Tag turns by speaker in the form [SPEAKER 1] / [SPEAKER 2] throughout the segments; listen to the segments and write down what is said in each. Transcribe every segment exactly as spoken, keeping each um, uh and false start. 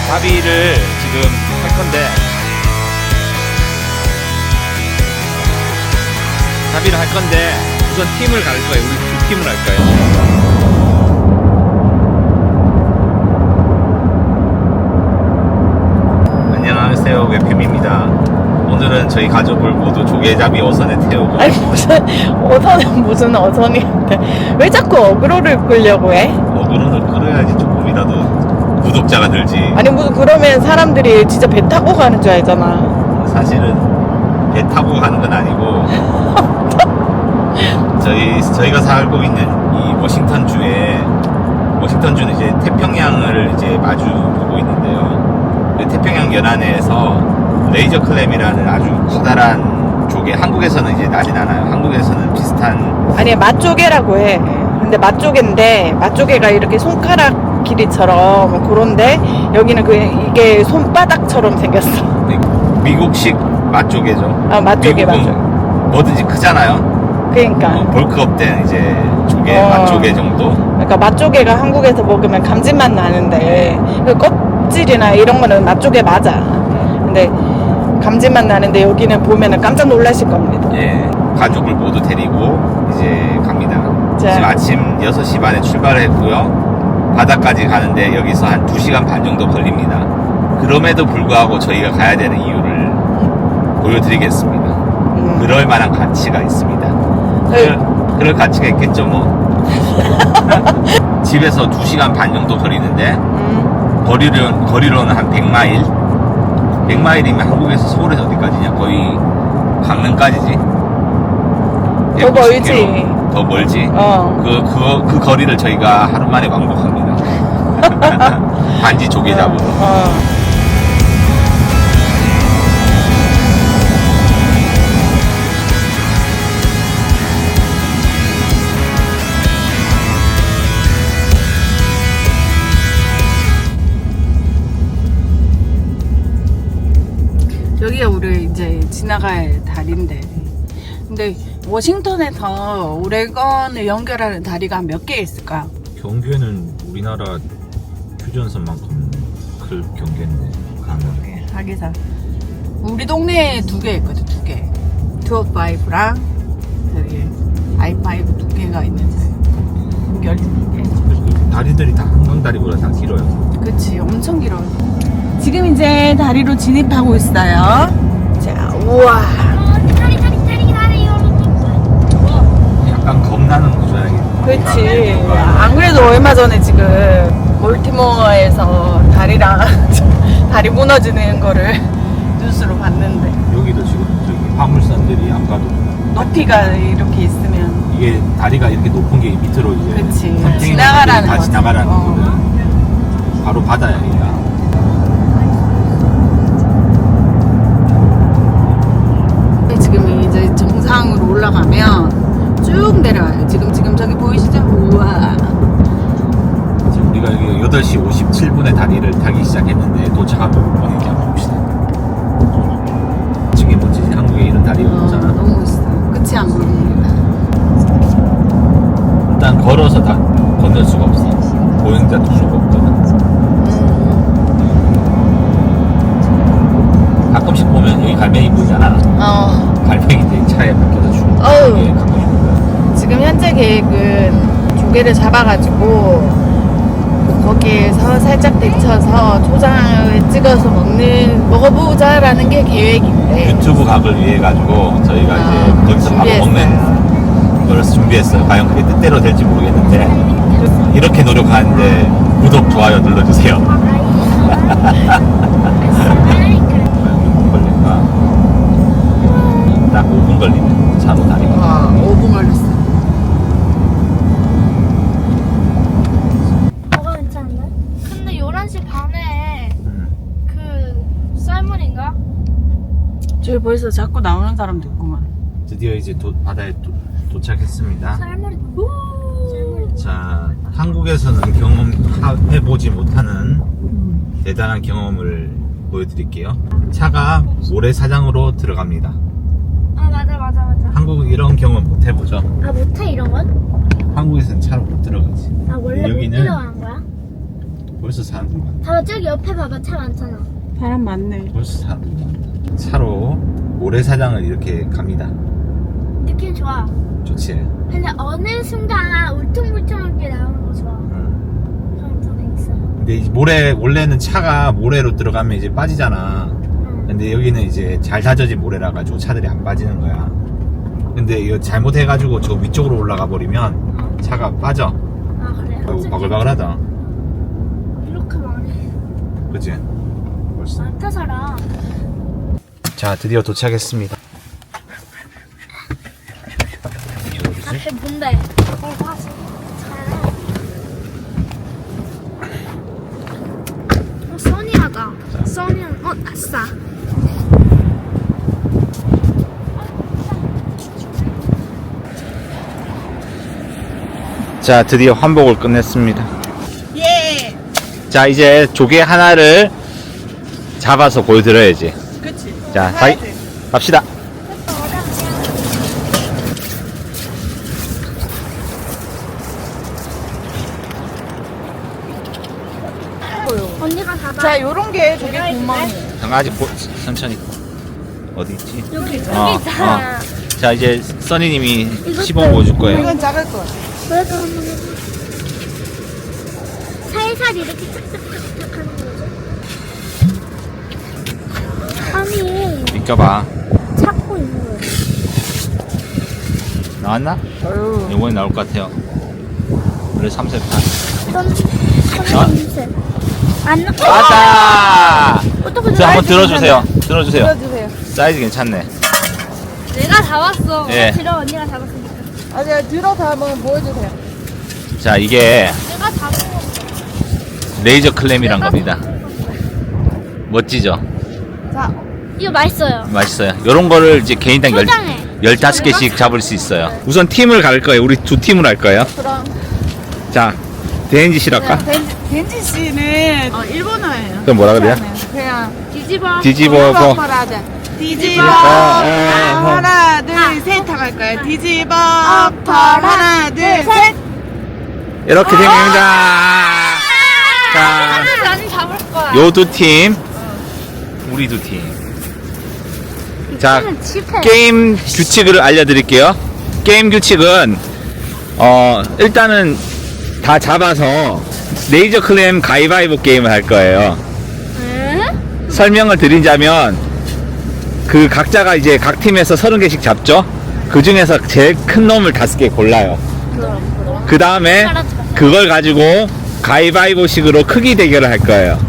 [SPEAKER 1] 나비를 지금 할 건데 나비를 할 건데 우선 팀을 갈 거예요. 우리 두 팀을 할 거예요. 안녕하세요, 웹캠입니다. 오늘은 저희 가족을 모두 조개잡이 어선에 태우고
[SPEAKER 2] 아니 무슨 어선은 무슨 어선인데 왜 자꾸 어그로를 끌려고 해?
[SPEAKER 1] 어그로는 끌어야지 조금이라도 구독자가 늘지.
[SPEAKER 2] 아니 무슨 그러면 사람들이 진짜 배 타고 가는 줄 알잖아.
[SPEAKER 1] 사실은 배 타고 가는 건 아니고 저희 저희가 살고 있는 이 워싱턴주에 워싱턴주는 이제 태평양을 이제 마주 보고 있는데요. 그 태평양 연안에서 레이저 클램이라는 아주 커다란 조개, 한국에서는 이제 나진 않아요. 한국에서는 비슷한
[SPEAKER 2] 아니 맛조개라고 해. 근데 맛조개인데 맛조개가 이렇게 손가락 길이처럼 그런데 여기는 그 이게 손바닥처럼 생겼어.
[SPEAKER 1] 미국식 맛조개죠.
[SPEAKER 2] 아 맛조개
[SPEAKER 1] 미국은
[SPEAKER 2] 맛조개.
[SPEAKER 1] 뭐든지 크잖아요.
[SPEAKER 2] 그러니까.
[SPEAKER 1] 어, 볼크업된 이제 조개,
[SPEAKER 2] 어.
[SPEAKER 1] 맛조개 정도.
[SPEAKER 2] 그러니까 맛조개가 한국에서 먹으면 감질맛 나는데 그 껍질이나 이런 거는 맛조개 맞아. 근데 감질맛 나는데 여기는 보면은 깜짝 놀라실 겁니다.
[SPEAKER 1] 예, 가족을 모두 데리고 이제 갑니다.
[SPEAKER 2] 자.
[SPEAKER 1] 지금 아침 여섯 시 반에 출발을 했고요. 바다까지 가는데 여기서 한 두 시간 반 정도 걸립니다. 그럼에도 불구하고 저희가 가야 되는 이유를 보여드리겠습니다.
[SPEAKER 2] 음.
[SPEAKER 1] 그럴 만한 가치가 있습니다.
[SPEAKER 2] 네.
[SPEAKER 1] 그럴, 그럴 가치가 있겠죠 뭐. 집에서 두 시간 반 정도 거리는데
[SPEAKER 2] 음.
[SPEAKER 1] 거리로, 거리로는 한 백 마일. 백 마일이면 한국에서 서울에서 어디까지냐? 거의 강릉까지지.
[SPEAKER 2] 더 멀지.
[SPEAKER 1] 킬로미터. 더 멀지.
[SPEAKER 2] 어.
[SPEAKER 1] 그, 그, 그 거리를 저희가 하루 만에 왕복합니다. 단지 조개 잡으러.
[SPEAKER 2] 어. 여기가 우리 이제 지나갈 다리인데, 근데 워싱턴에서 오레건을 연결하는 다리가 몇 개 있을까?
[SPEAKER 1] 경계는 우리나라 휴전선만큼 클 경계인데 가면
[SPEAKER 2] 하기사 우리 동네에 두 개 있거든. 두 개 이백오랑 저기 아이 파이브 두 개가 있는데 연결 두 개.
[SPEAKER 1] 다리들이 다 한강다리보다 다 길어요.
[SPEAKER 2] 그치, 엄청 길어요. 지금 이제 다리로 진입하고 있어요. 자, 우와.
[SPEAKER 1] 약간 겁나는 구조야.
[SPEAKER 2] 그치. 안 그래도 얼마 전에 지금 몰티모어에서 다리랑 다리 무너지는 거를 뉴스로 봤는데,
[SPEAKER 1] 여기도 지금 저기 화물선들이 아까도
[SPEAKER 2] 높이가 이렇게 있으면
[SPEAKER 1] 이게 다리가 이렇게 높은 게 밑으로 이제
[SPEAKER 2] 그치.
[SPEAKER 1] 컨테이너들이
[SPEAKER 2] 지나가라는
[SPEAKER 1] 다
[SPEAKER 2] 거지.
[SPEAKER 1] 지나가라는
[SPEAKER 2] 어.
[SPEAKER 1] 거거든. 바로 바다야 여기가.
[SPEAKER 2] 지금 이제 정상으로 올라가면 쭉 내려와요. 지금 지금 저기 보이시죠? 우와.
[SPEAKER 1] 지금 우리가 여기 여덟 시 오십칠 분에 다리를 타기 시작했는데 도착하면 뭐 이렇게 한번 봅시다. 저게 뭐지? 한국에 이런 다리가
[SPEAKER 2] 어,
[SPEAKER 1] 없잖아.
[SPEAKER 2] 너무 멋있어. 끝이 안 보입니다.
[SPEAKER 1] 일단 걸어서 다 건널 수가 없어. 보행자 통로가 없거든.
[SPEAKER 2] 음.
[SPEAKER 1] 가끔씩 보면 여기 갈매기 보이잖아.
[SPEAKER 2] 어.
[SPEAKER 1] 갈매기들이 차에 박혀서 죽는
[SPEAKER 2] 어우.
[SPEAKER 1] 게 가끔 있거든.
[SPEAKER 2] 지금 현재 계획은 조개를 잡아가지고 거기에서 살짝 데쳐서 초장을 찍어서 먹는 먹어보자라는 게 계획인데.
[SPEAKER 1] 유튜브 각을 위해 가지고 저희가
[SPEAKER 2] 아,
[SPEAKER 1] 이제 거기서 바로
[SPEAKER 2] 준비했어요.
[SPEAKER 1] 먹는 걸 준비했어요. 과연 그게 뜻대로 될지 모르겠는데 이렇게 노력하는데 구독, 좋아요 눌러주세요. 걸릴까? 딱 오 분 걸리네. 차로 다니고.
[SPEAKER 2] 와, 오 분 걸렸어.
[SPEAKER 3] 뭐가 괜찮은데? 근데 열한 시 반에
[SPEAKER 1] 음.
[SPEAKER 3] 그 쌀문인가?
[SPEAKER 2] 저기 벌써 자꾸 나오는 사람도 있구만.
[SPEAKER 1] 드디어 이제 도, 바다에 도, 도착했습니다.
[SPEAKER 3] 쌀문이 쌀문이
[SPEAKER 1] 자, 한국에서는 경험해보지 못하는 대단한 경험을 보여드릴게요. 차가 모래사장으로 들어갑니다.
[SPEAKER 3] 아 맞아 맞아 맞아.
[SPEAKER 1] 한국은 이런 경험 못 해보죠.
[SPEAKER 3] 아 못해 이런 건?
[SPEAKER 1] 한국에서는 차로 못 들어가지.
[SPEAKER 3] 아 원래 못
[SPEAKER 1] 여기는
[SPEAKER 3] 들어가는 거야?
[SPEAKER 1] 벌써 사람들 많다.
[SPEAKER 3] 봐봐 저기 옆에 봐봐 차 많잖아.
[SPEAKER 2] 사람 많네.
[SPEAKER 1] 벌써 사람들 많다. 차로 모래사장을 이렇게 갑니다.
[SPEAKER 3] 느낌 좋아.
[SPEAKER 1] 좋지.
[SPEAKER 3] 근데 어느 순간 울퉁불퉁하게 나오는 거 좋아.
[SPEAKER 1] 응.
[SPEAKER 3] 그런 좀 있어.
[SPEAKER 1] 근데 이 모래 원래는 차가 모래로 들어가면 이제 빠지잖아.
[SPEAKER 3] 응.
[SPEAKER 1] 근데 여기는 이제 잘 다져진 모래라 가지고 차들이 안 빠지는 거야. 근데 이거 잘못해가지고 저 위쪽으로 올라가 버리면 차가 빠져.
[SPEAKER 3] 아 그래.
[SPEAKER 1] 아이고, 바글바글하다.
[SPEAKER 3] 이렇게 많이
[SPEAKER 1] 그치? 벌써.
[SPEAKER 3] 많다 사람.
[SPEAKER 1] 자, 드디어 도착했습니다.
[SPEAKER 3] 앞에 뭔데? 어 맞아. 어 써니하다. 써니는 어 아싸.
[SPEAKER 1] 자, 드디어 환복을 끝냈습니다.
[SPEAKER 2] 예.
[SPEAKER 1] 자, 이제 조개 하나를 잡아서 보여드려야지.
[SPEAKER 2] 그치.
[SPEAKER 1] 자, 가이, 갑시다.
[SPEAKER 3] 언니가 잡아.
[SPEAKER 2] 자, 요런 게 조개 구멍이.
[SPEAKER 1] 강아지 보, 천천히. 어디 있지?
[SPEAKER 3] 여기 여기
[SPEAKER 1] 어,
[SPEAKER 3] 있잖아.
[SPEAKER 1] 자, 이제 써니님이
[SPEAKER 3] 이것도-
[SPEAKER 1] 시범 보여줄 거예요.
[SPEAKER 2] 이건 작을 거.
[SPEAKER 3] 그래서 한번 해봐. 살살 이렇게 착착착착 하는 거지. 아니
[SPEAKER 1] 비껴봐.
[SPEAKER 3] 찾고 있는 거야.
[SPEAKER 1] 나왔나?
[SPEAKER 2] 어휴.
[SPEAKER 1] 이번에 나올 것 같아요. 원래 삼 세판.
[SPEAKER 3] 선
[SPEAKER 1] 어?
[SPEAKER 3] 선생님 안 나.
[SPEAKER 1] 맞아!
[SPEAKER 3] 어떻게
[SPEAKER 1] 자, 한번 들어주세요. 들어주세요.
[SPEAKER 2] 들어주세요.
[SPEAKER 1] 사이즈 괜찮네.
[SPEAKER 3] 내가 잡았어.
[SPEAKER 1] 예.
[SPEAKER 3] 들어 언니가 잡았으니까.
[SPEAKER 2] 아, 제가 들어서 한번 보여주세요.
[SPEAKER 1] 자, 이게
[SPEAKER 3] 내가 잡은 거.
[SPEAKER 1] 레이저 클램이란 겁니다. 멋지죠?
[SPEAKER 2] 자,
[SPEAKER 3] 이거 맛있어요.
[SPEAKER 1] 맛있어요. 요런 거를 이제 개인당 열,
[SPEAKER 3] 포장해.
[SPEAKER 1] 열다섯 개씩 잡을 수 있어요. 우선 팀을 갈 거예요. 우리 두 팀을 할 거예요.
[SPEAKER 2] 그럼.
[SPEAKER 1] 자, 대인지 씨랄까?
[SPEAKER 2] 벤지, 벤지 씨는 어, 일본어예요.
[SPEAKER 1] 그럼 뭐라 그래요?
[SPEAKER 2] 그냥
[SPEAKER 3] 뒤집어.
[SPEAKER 1] 뒤집어 보.
[SPEAKER 2] 엎어라자. 뒤집어.
[SPEAKER 1] 어,
[SPEAKER 2] 아,
[SPEAKER 1] 어.
[SPEAKER 2] 하나, 둘, 셋 하고 할 거예요. 뒤집어. 엎어. 하나, 둘, 셋.
[SPEAKER 1] 이렇게 된 겁니다. 자,
[SPEAKER 3] 나는 잡을 거야.
[SPEAKER 1] 요 두 팀, 우리 두 팀. 자,
[SPEAKER 3] 이거는 실패.
[SPEAKER 1] 게임 규칙을 알려드릴게요. 게임 규칙은 어 일단은 다 잡아서 레이저 클램 가위바위보 게임을 할 거예요.
[SPEAKER 3] 응?
[SPEAKER 1] 설명을 드리자면 그 각자가 이제 각 팀에서 서른 개씩 잡죠. 그 중에서 제일 큰 놈을 다섯 개 골라요. 그 다음에 그걸 가지고 가위바위보식으로 크기 대결을 할 거예요.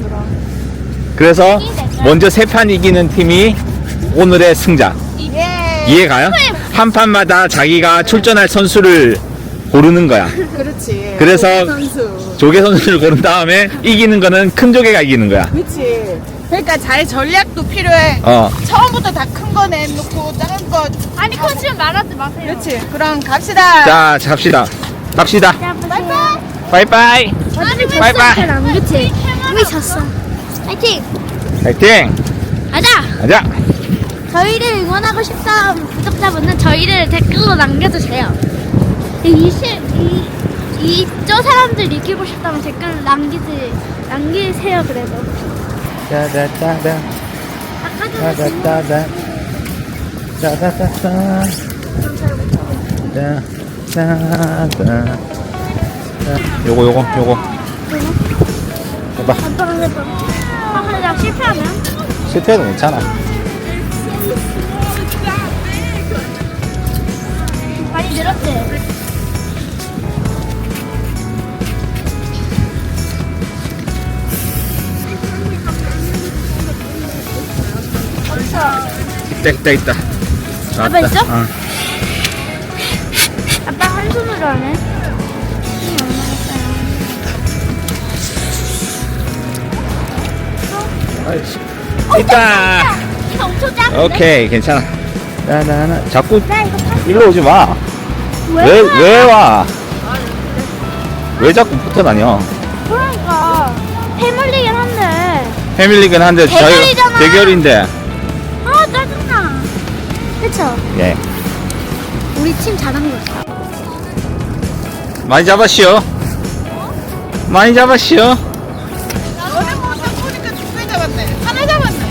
[SPEAKER 1] 그래서 먼저 세 판 이기는 팀이 오늘의 승자.
[SPEAKER 2] 예.
[SPEAKER 1] 이해가요? 한 판마다 자기가 출전할 선수를 고르는 거야.
[SPEAKER 2] 그렇지.
[SPEAKER 1] 그래서
[SPEAKER 2] 선수.
[SPEAKER 1] 조개 선수를 고른 다음에 이기는 거는 큰 조개가 이기는 거야.
[SPEAKER 2] 그렇지. 그러니까 잘 전략도 필요해.
[SPEAKER 1] 어.
[SPEAKER 2] 처음부터 다 큰 거 내놓고 작은 거.
[SPEAKER 3] 아니 컨치면 말하지 마세요.
[SPEAKER 2] 그렇지. 그럼 갑시다.
[SPEAKER 1] 자, 갑시다. 갑시다.
[SPEAKER 3] 자, 바이바이.
[SPEAKER 1] 바이바이.
[SPEAKER 3] 아니 왜
[SPEAKER 1] 바이바이.
[SPEAKER 3] 수업을 안 그치? 우리 졌어. 파이팅.
[SPEAKER 1] 파이팅.
[SPEAKER 3] 가자.
[SPEAKER 1] 가자.
[SPEAKER 3] 저희를 응원하고 싶다 구독자분은 저희를 댓글로 남겨주세요. 이십 이 이저 사람들 이기고 싶다면 댓글 남기지 남기세요 그래도.
[SPEAKER 1] 따다따다.
[SPEAKER 3] 아까 전에 진
[SPEAKER 1] 따다따다. 따다따다. 따다따다. 요거 요거 요거 해봐.
[SPEAKER 3] 한번 해봐. 아 근데 나 실패하면?
[SPEAKER 1] 실패해도 괜찮아.
[SPEAKER 3] 많이 늘었지?
[SPEAKER 1] 있다 있다 있다.
[SPEAKER 3] 아빠 있어?
[SPEAKER 1] 어.
[SPEAKER 3] 아빠 한 손으로 하네.
[SPEAKER 1] 아이씨. 있다.
[SPEAKER 3] 이거 엄청 작은데?
[SPEAKER 1] 오케이 괜찮아. 나나나 자꾸
[SPEAKER 3] 나 이거 파.
[SPEAKER 1] 일로 오지 마. 왜 왜 와? 왜 자꾸 붙어 다녀?
[SPEAKER 3] 그러니까 패밀리긴 한데.
[SPEAKER 1] 패밀리긴 한데 저희
[SPEAKER 3] 대결이잖아.
[SPEAKER 1] 대결인데.
[SPEAKER 3] 아 짜증나. 그쵸?
[SPEAKER 1] 예.
[SPEAKER 3] 우리 팀 잘하는 거 있어.
[SPEAKER 1] 많이 잡았시오. 많이 잡았시오.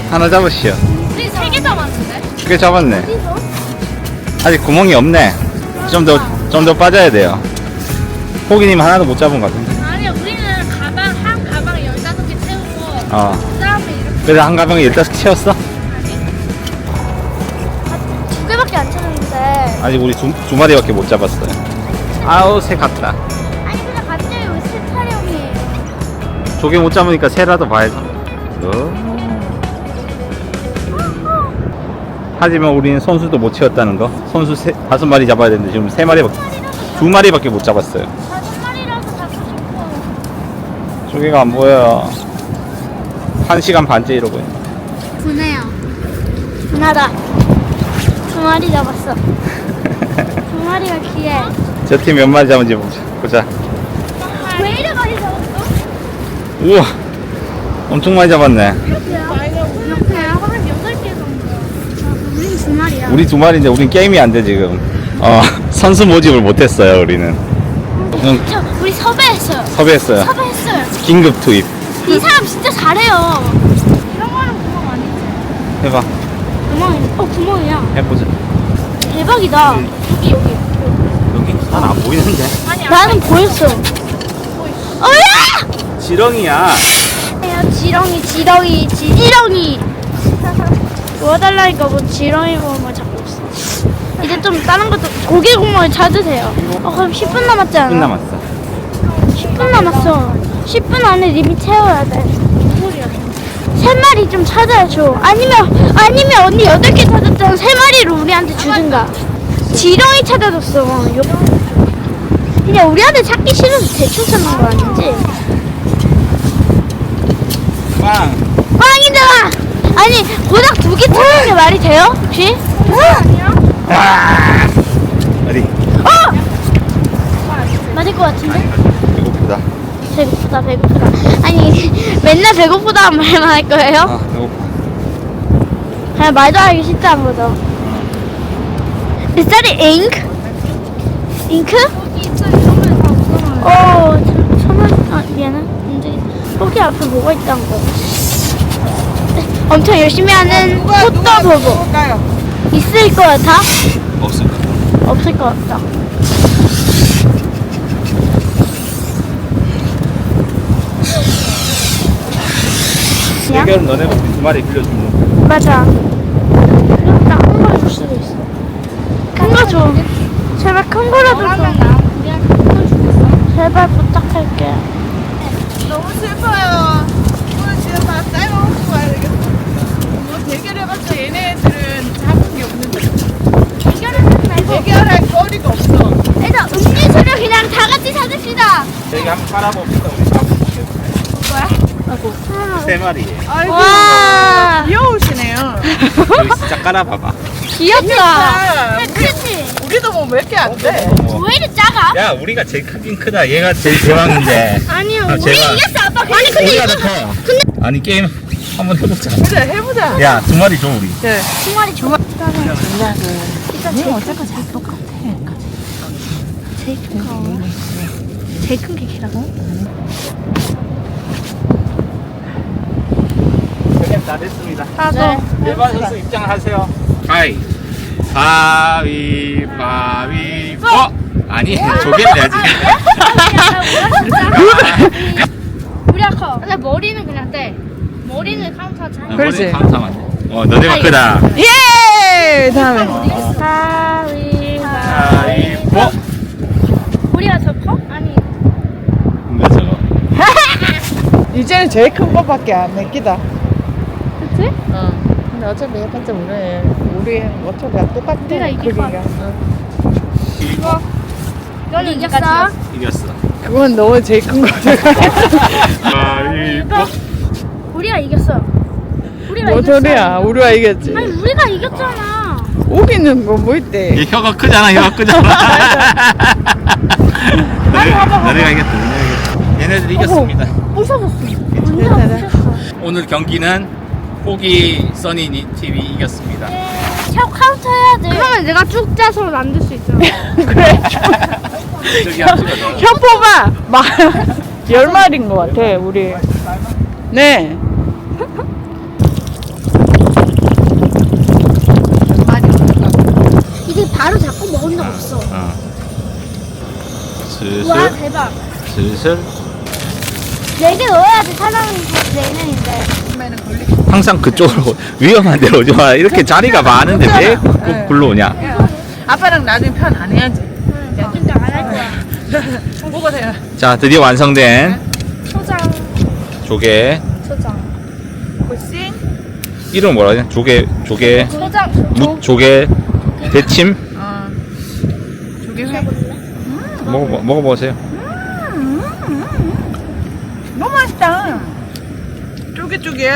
[SPEAKER 1] 하나 잡으시오.
[SPEAKER 3] 우리 세 개 잡았는데?
[SPEAKER 1] 두 개 잡았네.
[SPEAKER 3] 어디서?
[SPEAKER 1] 아직 구멍이 없네. 좀 더, 좀 더 빠져야 돼요. 호기님 하나도 못 잡은 것 같은데.
[SPEAKER 3] 아니 우리는 가방 한 가방에 열다섯 개 채우고
[SPEAKER 1] 어.
[SPEAKER 3] 그다음에 이렇게
[SPEAKER 1] 그래서 한 가방에 열다섯 개 채웠어?
[SPEAKER 3] 두 개밖에 안 채웠는데.
[SPEAKER 1] 아직 우리 두, 두 마리밖에 못 잡았어요. 아우, 새 같다.
[SPEAKER 3] 아니 근데 갑자기 왜 새 촬영이에요?
[SPEAKER 1] 조개 못 잡으니까 새라도 봐야죠. 어. 하지만 우리는 선수도 못 채웠다는 거. 선수 세, 다섯 마리 잡아야 되는데 지금 세 마리밖에, 두 마리밖에 못 잡았어요.
[SPEAKER 3] 다섯 마리라도 잡고 싶어.
[SPEAKER 1] 조개가 안 보여요. 한 시간 반째 이러고 있네.
[SPEAKER 3] 분해요. 분하다. 두 마리 잡았어. 두 마리가 귀해.
[SPEAKER 1] 저 팀 몇 마리 잡은지 보자. 보자.
[SPEAKER 3] 왜 이래 많이 잡았어?
[SPEAKER 1] 우와, 엄청 많이 잡았네.
[SPEAKER 3] 이렇게요? 한 여덟 개 정도. 우린 두 마리야.
[SPEAKER 1] 우리 두 마리인데 우린 게임이 안 돼 지금. 어, 선수 모집을 못했어요 우리는. 응,
[SPEAKER 3] 저 우리 섭외했어요.
[SPEAKER 1] 섭외했어요.
[SPEAKER 3] 섭외했어요.
[SPEAKER 1] 긴급 투입.
[SPEAKER 3] 이 사람 진짜 잘해요. 이런 거는 구멍 아니지?
[SPEAKER 1] 해봐.
[SPEAKER 3] 구멍이. 어 구멍이야.
[SPEAKER 1] 해보자.
[SPEAKER 3] 대박이다. 여기 여기.
[SPEAKER 1] 여기 난 안 보이는데.
[SPEAKER 3] 나는 보였어. 어야!
[SPEAKER 1] 지렁이야.
[SPEAKER 3] 야, 지렁이, 지렁이, 지지렁이. 도와달라니까 뭐 지렁이 구멍을 잡고 있어. 이제 좀 다른 것도 고기 구멍을 찾으세요. 어, 그럼 십 분 남았지 않아?
[SPEAKER 1] 십 분 남았어.
[SPEAKER 3] 십 분 남았어. 십 분 안에 리밋 채워야 돼. 세 마리 좀 찾아줘. 아니면 아니면 언니 여덟 개 찾았잖아. 세 마리를 우리한테 주든가. 지렁이 찾아줬어. 요- 그냥 우리한테 찾기 싫어서 대충 찾는 거 아니지?
[SPEAKER 1] 빵.
[SPEAKER 3] 꽝이잖아. 아니 고작 두 개 찾는 게 말이 돼요? 혹시? 아니야.
[SPEAKER 1] 아! 어디?
[SPEAKER 3] 어! 맞을 것 같은데?
[SPEAKER 1] 배고프다.
[SPEAKER 3] 배고프다 배고프다. 아니 맨날 배고프다 말만 할 거예요?
[SPEAKER 1] 아, 배고파.
[SPEAKER 3] 그냥 말도 하기 쉽지 않은 거죠. Is that ink? 잉크? 어, 천원, 아, 미안해. 근데, 거기 앞에 뭐가 있다는 거. 엄청 열심히 하는 꽃도 보고. 있을 것 같아?
[SPEAKER 1] 없어.
[SPEAKER 3] 없을 것 같다. 그냥?
[SPEAKER 1] 대결은 너네가 우리 두 마리 빌려주는 거.
[SPEAKER 3] 맞아. 나큰거 줄 수도 있어. 큰 거 줘. 제발 큰 거라도 줘. 제발 부탁할게.
[SPEAKER 2] 너무 슬퍼요. 오늘 집에 다 삶아먹고 가야 되겠어. 뭐 대결해봤자 얘네들은 잡은 게 없는데.
[SPEAKER 3] 대결하지 말고.
[SPEAKER 2] 대결할 거리가 없어.
[SPEAKER 3] 일단 음료수를 그냥 다 같이 사줍시다.
[SPEAKER 1] 여기 한번 깔아봅시다. 우리 잡은
[SPEAKER 3] 아이고.
[SPEAKER 1] 세 마리.
[SPEAKER 2] 아이고.
[SPEAKER 3] 와.
[SPEAKER 2] 귀여우시네요.
[SPEAKER 1] 여기 진짜 깔아봐봐.
[SPEAKER 3] 귀엽다.
[SPEAKER 2] 우리,
[SPEAKER 3] 그치?
[SPEAKER 2] 우리도 뭐 몇 개 안 돼.
[SPEAKER 1] 어.
[SPEAKER 3] 왜 이리 작아?
[SPEAKER 1] 야, 우리가 제일 크긴 크다. 얘가 제일 대왕인데.
[SPEAKER 3] 아니요.
[SPEAKER 1] 아,
[SPEAKER 3] 우리
[SPEAKER 1] 제발.
[SPEAKER 3] 이겼어 아빠. 아니 근데
[SPEAKER 1] 우리가
[SPEAKER 3] 이거
[SPEAKER 1] 더 커. 아니 게임 한번 해보자.
[SPEAKER 2] 그래, 해보자.
[SPEAKER 1] 야, 두 마리 줘 우리.
[SPEAKER 2] 네.
[SPEAKER 3] 두 마리 좋아. 일단 제일
[SPEAKER 2] 어차피 다 똑같아.
[SPEAKER 3] 제일 큰 거. 제일 큰 게 키라고?
[SPEAKER 1] 대결 다 됐습니다.
[SPEAKER 3] 네.
[SPEAKER 1] 일반 선수 입장을 하세요. 가위. 가위바위보. 아니, 조개를 내야지.
[SPEAKER 3] 우리가 커. 근데 머리는 그냥 떼. 머리는 카운트하자.
[SPEAKER 2] 그렇지.
[SPEAKER 1] 감사만 돼. 어, 너네가 크다.
[SPEAKER 2] 예! 다음에.
[SPEAKER 3] 가위.
[SPEAKER 1] 가위보.
[SPEAKER 3] 우리가 더 커? 아니.
[SPEAKER 1] 뭔가 저거.
[SPEAKER 2] 이제는 제일 큰 거밖에 안 맡기다.
[SPEAKER 3] 그치?
[SPEAKER 2] 어. 근데 어차피 해봤자 우리, 우리 어차피 똑같아.
[SPEAKER 3] 우리가 이길 것
[SPEAKER 2] 크기가.
[SPEAKER 3] 같아.
[SPEAKER 2] 어.
[SPEAKER 3] 너는 이겼어?
[SPEAKER 1] 이겼어.
[SPEAKER 2] 그건 너무 제일 큰 거지.
[SPEAKER 1] 가위보.
[SPEAKER 3] 우리가 이겼어. 우리가
[SPEAKER 2] 뭐
[SPEAKER 3] 이겼어.
[SPEAKER 2] 소리야. 우리가 이겼지.
[SPEAKER 3] 아니 우리가 이겼잖아.
[SPEAKER 2] 우기는 거 뭐 있대.
[SPEAKER 1] 얘 혀가 크잖아, 혀가 크잖아. 너네, 너네가 이겼다, 너네가 이겼다. 얘네들 이겼습니다.
[SPEAKER 3] 부셔졌어.
[SPEAKER 2] 괜찮아.
[SPEAKER 3] 완전 부셨어.
[SPEAKER 1] 오늘 경기는 호기 써니 티비 이겼습니다.
[SPEAKER 3] 샤 카운트 해야 돼. 그러면 내가 쭉 짜서 만들 수 있잖아.
[SPEAKER 2] 그래.
[SPEAKER 1] 저기 한 찍어 넣어.
[SPEAKER 2] 현포가 막 열 마리인 것 같아, 우리. 네.
[SPEAKER 1] 슬슬
[SPEAKER 3] 네 개 넣어야지 사람이 네 명인데.
[SPEAKER 2] 그러면은 걸리.
[SPEAKER 1] 항상 그쪽으로 위험한 데로 오지 마. 이렇게 자리가 많은데 왜
[SPEAKER 2] 네.
[SPEAKER 1] 꼭 굴러오냐?
[SPEAKER 2] 아빠랑 나중에 편 안 해야지.
[SPEAKER 3] 응, 진짜 안 할 거야.
[SPEAKER 2] 먹으세요.
[SPEAKER 1] 자, 드디어 완성된
[SPEAKER 3] 초장,
[SPEAKER 1] 조개.
[SPEAKER 3] 초장.
[SPEAKER 2] 고싱.
[SPEAKER 1] 이름 뭐라 하냐? 조개, 조개,
[SPEAKER 3] 초장,
[SPEAKER 1] 무, 조개, 대침.
[SPEAKER 2] 어. 조개회.
[SPEAKER 1] 먹어, 먹어보세요.
[SPEAKER 2] 너무 맛있다. 쫄깃쫄깃.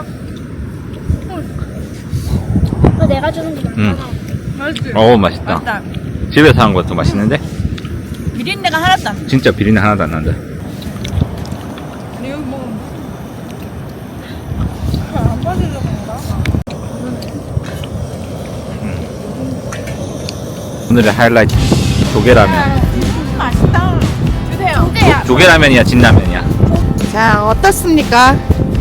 [SPEAKER 3] 이거 내가 주는 거
[SPEAKER 1] 음.
[SPEAKER 3] 맞잖아.
[SPEAKER 2] 맛있지?
[SPEAKER 1] 어우, 맛있다.
[SPEAKER 2] 맛있다.
[SPEAKER 1] 집에서 한 것도 맛있는데?
[SPEAKER 2] 비린내가 하나도 안 나.
[SPEAKER 1] 진짜 비린내 하나도 안 난다.
[SPEAKER 2] 근데 여기 먹으면 안 빠지려고 그런가?
[SPEAKER 1] 오늘의 하이라이트 조개라면.
[SPEAKER 2] 음, 맛있다. 주세요.
[SPEAKER 3] 근데야.
[SPEAKER 1] 조개라면이야, 진라면이야?
[SPEAKER 2] 자, 어떻습니까?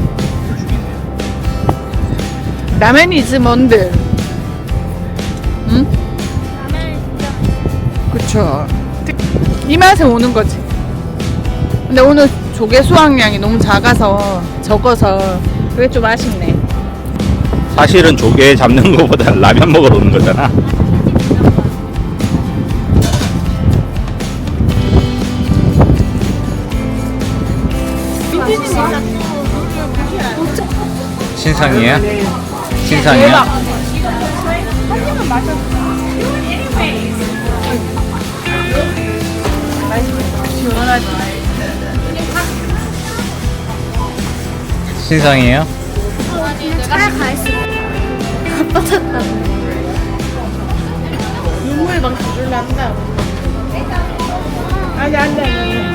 [SPEAKER 2] 라면이지 뭔들. 응?
[SPEAKER 3] 라면 진짜.
[SPEAKER 2] 그쵸. 이 맛에 오는 거지. 근데 오늘 조개 수확량이 너무 작아서 적어서 그게 좀 아쉽네.
[SPEAKER 1] 사실은 조개 잡는 거보다 라면 먹으러 오는 거잖아. 신상이에요? 신상이에요?
[SPEAKER 2] 시원하지.
[SPEAKER 1] 신상이에요?
[SPEAKER 3] 차에 가 있어. 뻗었다.
[SPEAKER 2] 눈물 막 줄난다. 아니, 안 돼.